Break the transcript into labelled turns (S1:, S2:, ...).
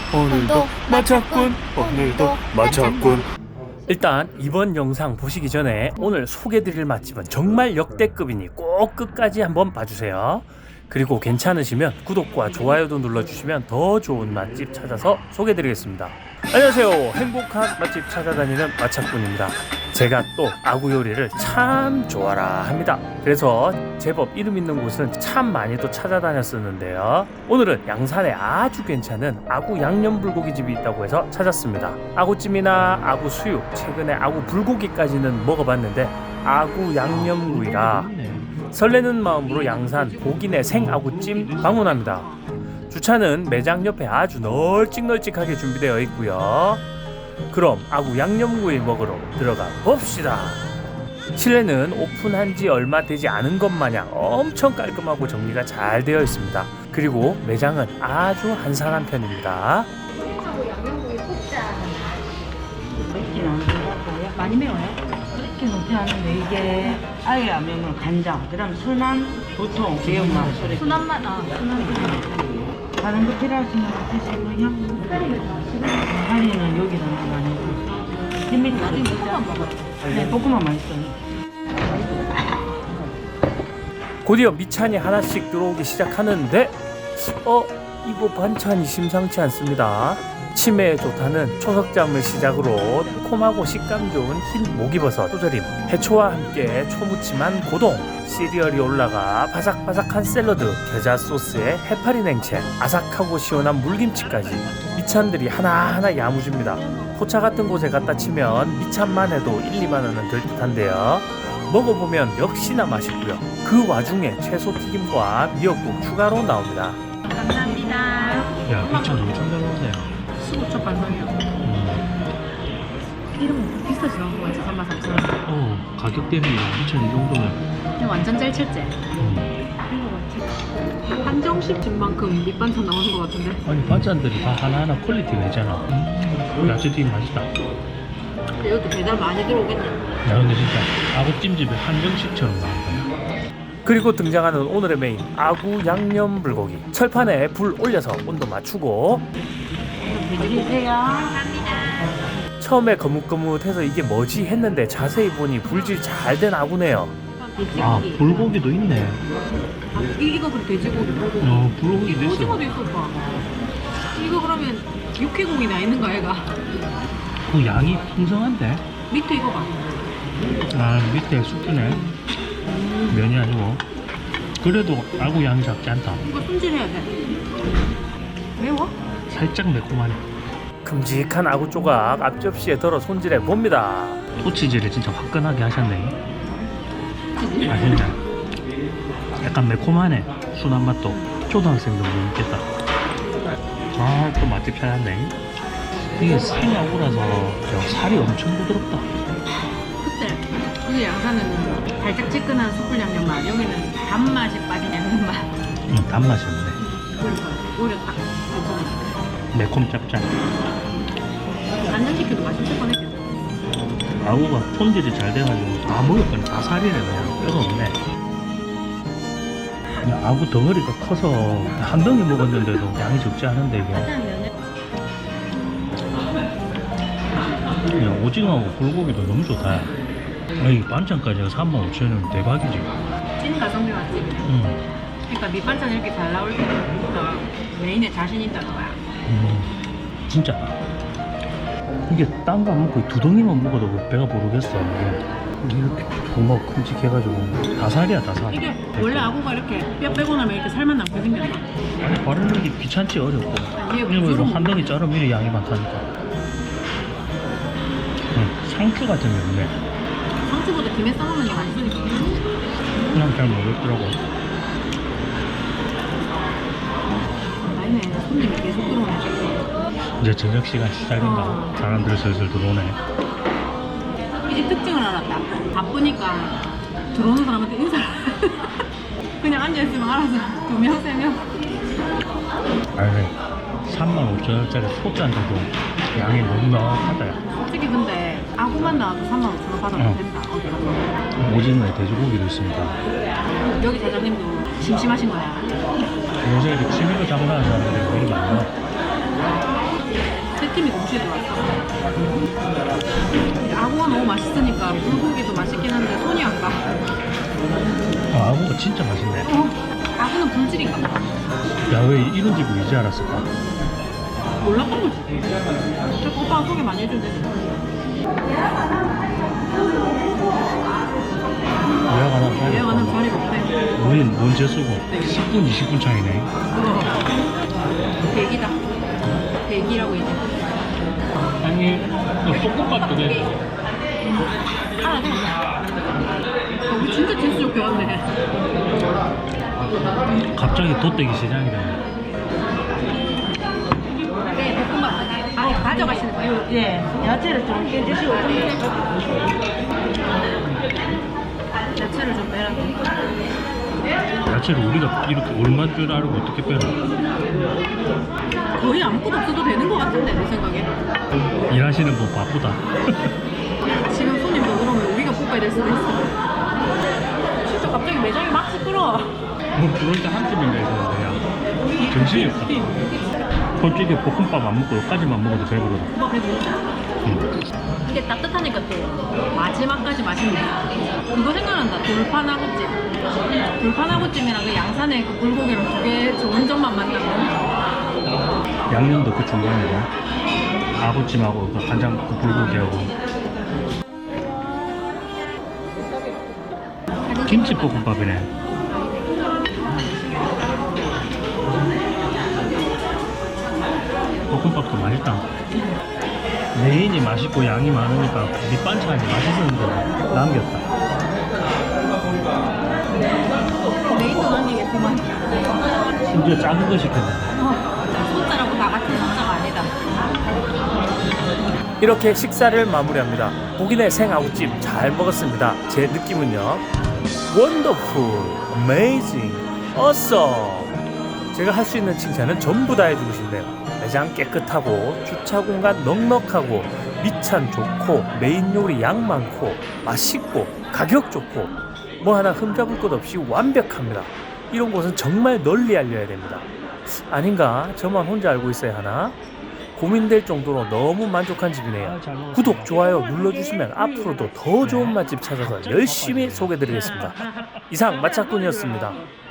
S1: 오늘도 마쳤군. 오늘도 마쳤군.
S2: 일단 이번 영상 보시기 전에 오늘 소개드릴 맛집은 정말 역대급이니 꼭 끝까지 한번 봐주세요. 그리고 괜찮으시면 구독과 좋아요도 눌러주시면 더 좋은 맛집 찾아서 소개드리겠습니다. 안녕하세요. 행복한 맛집 찾아다니는 마차꾼입니다. 제가 또 아구 요리를 참 좋아라 합니다. 그래서 제법 이름 있는 곳은 참 많이도 찾아다녔었는데요. 오늘은 양산에 아주 괜찮은 아구 양념 불고기 집이 있다고 해서 찾았습니다. 아구찜이나 아구 수육, 최근에 아구 불고기까지는 먹어봤는데 아구 양념구이라 설레는 마음으로 양산 고기내 생아구찜 방문합니다. 주차는 매장 옆에 아주 널찍널찍하게 준비되어 있고요. 그럼 아구 양념구이 먹으러 들어가 봅시다. 실내는 오픈한 지 얼마 되지 않은 것 마냥 엄청 깔끔하고 정리가 잘 되어 있습니다. 그리고 매장은 아주 한산한 편입니다.
S3: 양념구이 국자
S4: 맵진 않고 많이 매워요? 그렇게 높지 않은데 이게 아예 안 매우면 간장, 그다음 순한 보통 매운맛,
S3: 순한 맛.
S4: 다른 거 필요하시면 드시고요. 다리는 여기다 많이 햄미트
S3: 나중에 볶음밥 먹어요.
S4: 네, 볶음밥 맛있어요.
S2: 곧이어 미찬이 하나씩 들어오기 시작하는데 이거 반찬이 심상치 않습니다. 치매에 좋다는 초석잠을 시작으로 콤하고 식감 좋은 흰 목이버섯, 쪼절임, 해초와 함께 초무침한 고동, 시리얼이 올라가 바삭바삭한 샐러드, 겨자 소스에 해파리 냉채, 아삭하고 시원한 물김치까지 미찬들이 하나하나 야무집니다. 포차 같은 곳에 갖다 치면 미찬만 해도 1, 2만 원은 될 듯한데요. 먹어보면 역시나 맛있고요. 그 와중에 채소 튀김과 미역국 추가로 나옵니다.
S3: 감사합니다.
S2: 야, 미찬 엄청 잘 먹네요.
S3: 15초 반성이요. 이름은 비싸지 않은 거 같지? 33,000원.
S2: 가격 대비 미찬 이 정도면
S3: 그냥 완전 짤칠제. 한정식 집만큼 밑반찬 나오는 것 같은데?
S2: 아니 반찬들이 다 하나하나 퀄리티가 있잖아. 야채 튀김 맛있다.
S3: 근데 여기 배달 많이 들어오겠네.
S2: 야 근데 진짜 아구찜집의 한정식처럼 나온다. 그리고 등장하는 오늘의 메인 아구 양념 불고기. 철판에 불 올려서 온도 맞추고
S4: 드리세요.
S2: 처음에 거뭇거뭇해서 이게 뭐지 했는데 자세히 보니 불질 잘 된 아구네요.
S3: 돼지고기.
S2: 불고기도 있네.
S3: 이거 그럼 돼지고기.
S2: 불고기도 있어.
S3: 오징어도 있어, 오빠. 이거 그러면 육회고기나 있는 거 얘가?
S2: 그 양이 풍성한데?
S3: 밑에 이거 봐.
S2: 아 밑에 수프네. 면이 아니고. 그래도 아구 양이 작지 않다.
S3: 이거 손질해야 돼. 매워?
S2: 살짝 매콤하네. 큼직한 아구 조각 앞접시에 덜어 손질해 봅니다. 토치질을 진짜 화끈하게 하셨네. 아 진짜 약간 매콤하네. 순한 맛도. 초등학생도 못 먹겠다. 아 또 맛집 찾았네. 이게 생아구라서 살이 엄청 부드럽다.
S3: 그때 우리 양산은 달짝지근한 숯불 양념 맛, 여기는 단맛이 빠진 양념 맛.
S2: 단맛이 없네.
S3: 그러니까 오히려 딱 괜찮아.
S2: 매콤 짭짤.
S3: 간장시켜도 맛있을 뻔했죠.
S2: 아구가 손질이 잘 돼가지고 다 먹을 거니 다 살이네. 그냥 뼈가 없네. 그냥 아구 덩어리가 커서 한 덩이 먹었는데도 양이 적지 않은데 이게 그냥 오징어하고 불고기도 너무 좋다. 이 반찬까지 35,000원이면 대박이지.
S3: 찐 가성비 맛집이네. 그러니까 밑반찬 이렇게 잘 나올 때부터 메인에 자신 있다는 거야.
S2: 진짜 이게 딴 거 안 먹고 두 덩이만 먹어도 배가 부르겠어. 이렇게 정말 큼직해가지고 다살이야 다살.
S3: 이게 원래 아구가 이렇게 뼈 빼고 나면 이렇게 살만 남게 생겼나?
S2: 아니 바르는 게 귀찮지 어렵고.
S3: 이게
S2: 일부러 한 덩이 자르면 이래 양이 많다니까. 상추 같은 게 없네.
S3: 상추보다 김에 싸먹는 게 맛있으니까.
S2: 그냥 잘 모르겠더라고.
S3: 아니네, 손님이 계속 들어오네.
S2: 이제 저녁 시간 시작인가? 사람들 슬슬 들어오네.
S3: 이 집 특징을 알았다. 바쁘니까 들어오는 사람한테 인사. 그냥 앉아있으면 알아서 2명, 3명.
S2: 아니 35,000원짜리 소짠데도 양이 너무 넉넉하다.
S3: 솔직히 근데 아구만 나와도 35,000원 받아도 된다. 어디 가서.
S2: 오징어에 돼지고기도 있습니다.
S3: 여기 사장님도 심심하신 거야.
S2: 요새 이렇게 취미로 장사하는 사람들이 왜 이렇게 많아?
S3: 맛있으니까 불고기도 맛있긴 한데 손이 안 가.
S2: 아구가 진짜 맛있네.
S3: 아구는 불질인가 봐.
S2: 야, 왜 이런 집을 이제 알았을까?
S3: 몰랐던 거지. 저 오빠가 소개 많이 해준대.
S2: 예약 안 하면
S3: 예약 안 하면 자리가 없대.
S2: 우린 먼저 쓰고 10분, 20분 차이네.
S3: 대기다. 대기라고 이제.
S2: 아니, 볶음밥도 돼.
S3: 알아서. 우리 진짜 재수 좋게 왔네.
S2: 갑자기 돗대기 시장이다.
S3: 네, 볶음밥 아예 가져가시는 거예요?
S4: 예, 야채를 좀 깨주시고
S3: 야채를 좀 빼라고.
S2: 야채를 우리가 이렇게 얼마인 줄 알고 어떻게 빼나?
S3: 거의 아무것도 없어도 되는 것 같은데, 내 생각에.
S2: 일하시는 분 바쁘다.
S3: 지금 손님도 그러면 우리가 볶아야 될 수도 있어. 진짜 갑자기 매장이 막 시끄러워.
S2: 뭐 그럴 때 한 팀인가 있었는데 야 정신이 없다. 솔직히 볶음밥 안 먹고 여기까지만 먹어도 배부르다.
S3: 오빠 배부르다. 이게 따뜻하니까 또 마지막까지 맛있네. 그거 생각난다. 돌판아구찜. 돌판아구찜이랑 그 양산의 그 불고기랑 두 개 좋은 점만 만나고.
S2: 양념도 그 중간이고 아구찜하고 그 간장 그 불고기하고 김치 볶음밥이네. 볶음밥도 맛있다. 메인이 맛있고 양이 많으니까 밑반찬이 맛있었는데 남겼다.
S3: 메인도 남기겠구만.
S2: 심지어 작은 거 시켰네.
S3: 숫자라고 다 같은 숫자가 아니다.
S2: 이렇게 식사를 마무리합니다. 고기네 생아구찜 잘 먹었습니다. 제 느낌은요, 원더풀, 어메이징, 어썸. 제가 할 수 있는 칭찬은 전부 다 해주고 싶네요. 매장 깨끗하고 주차 공간 넉넉하고 밑찬 좋고 메인 요리 양 많고 맛있고 가격 좋고 뭐 하나 흠잡을 것 없이 완벽합니다. 이런 곳은 정말 널리 알려야 됩니다. 아닌가? 저만 혼자 알고 있어야 하나? 고민될 정도로 너무 만족한 집이네요. 구독, 좋아요 눌러주시면 앞으로도 더 좋은 맛집 찾아서 열심히 소개드리겠습니다. 이상 마차꾼이었습니다.